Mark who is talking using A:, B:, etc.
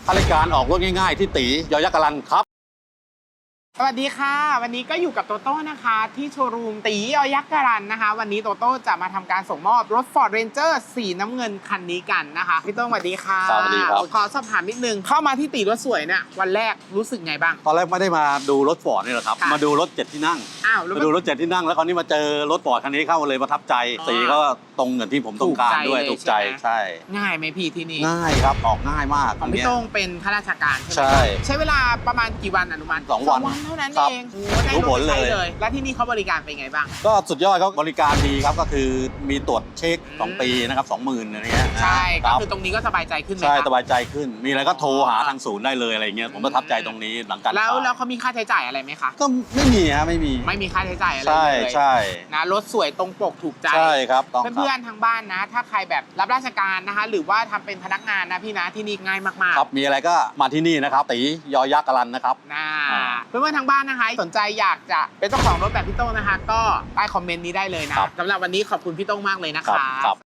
A: ข้าราชการออกรถง่ายๆที่ตียอยักษ์กรันครับ
B: สวัสดีค่ะวันนี้ก็อยู่กับโตโต้นะคะที่โชว์รูมตียอยักษ์การันนะคะวันนี้โตโต้จะมาทำการส่งมอบรถ Ford Ranger สีน้ำเงินคันนี้กันนะคะพี่โต้งสวัสดีค่ะ
A: สวัสดีครับ
B: ขอสอบถามนิดนึงเข้ามาที่ตีรถสวยเนี่ยวันแรกรู้สึกไงบ้าง
A: ตอนแรกไม่ได้มาดูรถฟอร์ดนี่หรอกครับ
B: ค่ะ
A: มาดูรถ7ที่นั่ง
B: อ้าวแล้ว
A: มาดูรถ7ที่นั่งแล้วคราวนี้มาเจอรถฟอร์ดคันนี้เข้าเลยประทับใจ
B: อ๋อ
A: สีก็ตรงกับที่ผมต้องการด้วย
B: ถู
A: ถู
B: ก
A: ก
B: ใจ
A: ใจ
B: เลย
A: ใช่
B: ง่ายไหมพี่ที่นี่
A: ง่ายครับออกง่ายมาก
B: ของพี่
A: เนี้ย
B: โต้งเป็นข้าราชการใช่ไหม
A: ใช่
B: ใช้เวลาประมาณกี่วันอนุมัติ
A: 2 วัน
B: เท่านั้น
A: ครับ
B: เองโอ้โหได้
A: รู้ผล
B: รถไปใช้
A: เลย
B: แล้วที่นี่เขาบริการเป็นไงบ้าง
A: ก็สุดยอดครับบริการดีครับก็คือมีตรวจเช็ค2 ปีนะครับ 20,000อะไรเงี้ย
B: ใช่
A: ค
B: ก็
A: รับ
B: คือตรงนี้ก็สบายใจขึ้นไหม
A: ใช่
B: ครับ
A: สบายใจขึ้น มีอะไรก็โทรหาทางศูนย์ได้เลยอะไรเงี้ยผมประทับใจตรงนี้หลังการ
B: แล้ว
A: ขาย
B: เขามีค่าใช้จ่ายอะไรไหมคะ
A: ก็ไม่มีฮะไม่มี
B: ไม่มีค่าใช้จ่ายอะไร
A: ใช่
B: เลย
A: ใช่
B: นะรถสวยตรงปกถูกใจ
A: ใช่ครับต้องครับ
B: เพื่อนๆทางบ้านนะ ถ้าใครแบบรับราชการนะคะ หรือว่าทำเป็นพนักงานนะพี่นะที่นี่ง่ายมาก
A: ครับมีอะไรก็มาที่นี่นะครับตียอยักษ์กรันนะครับ
B: ๆนะ
A: อ่า
B: เพื่อนๆทางบ้านนะคะสนใจอยากจะเป็นเจ้าของรถแบบพี่โต้งนะคะ ก็ใต้คอมเมนต์นี้ได้เลยนะครับ สำหรับวันนี้ขอบคุณพี่โต้งมากเลยนะ
A: ครั
B: คะ
A: ครับ